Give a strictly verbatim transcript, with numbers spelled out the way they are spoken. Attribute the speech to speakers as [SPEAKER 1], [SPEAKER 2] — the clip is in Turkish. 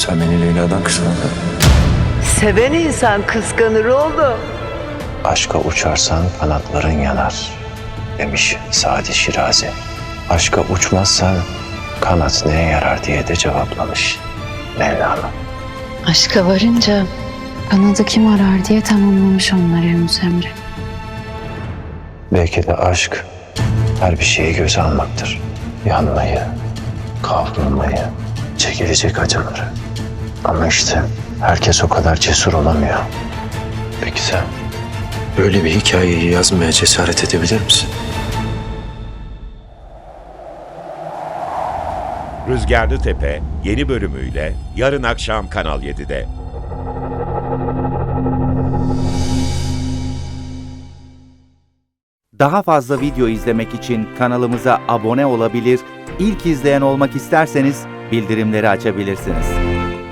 [SPEAKER 1] Sen beni Leyla'dan kıskandın.
[SPEAKER 2] Seven insan kıskanır oğlum.
[SPEAKER 3] Aşka uçarsan kanatların yanar demiş Sadi Şirazi. Aşka uçmazsan kanat neye yarar diye de cevaplamış Mevlana.
[SPEAKER 4] Aşka varınca kanadı kim arar diye tamamlamış onları Yunus Emre.
[SPEAKER 3] Belki de aşk her bir şeyi göze almaktır. Yanmayı, kavrulmayı, çekilecek acıları. Ama işte herkes o kadar cesur olamıyor. Peki sen böyle bir hikayeyi yazmaya cesaret edebilir misin?
[SPEAKER 5] Rüzgarlı Tepe yeni bölümüyle yarın akşam Kanal yedide.
[SPEAKER 6] Daha fazla video izlemek için kanalımıza abone olabilir, ilk izleyen olmak isterseniz bildirimleri açabilirsiniz.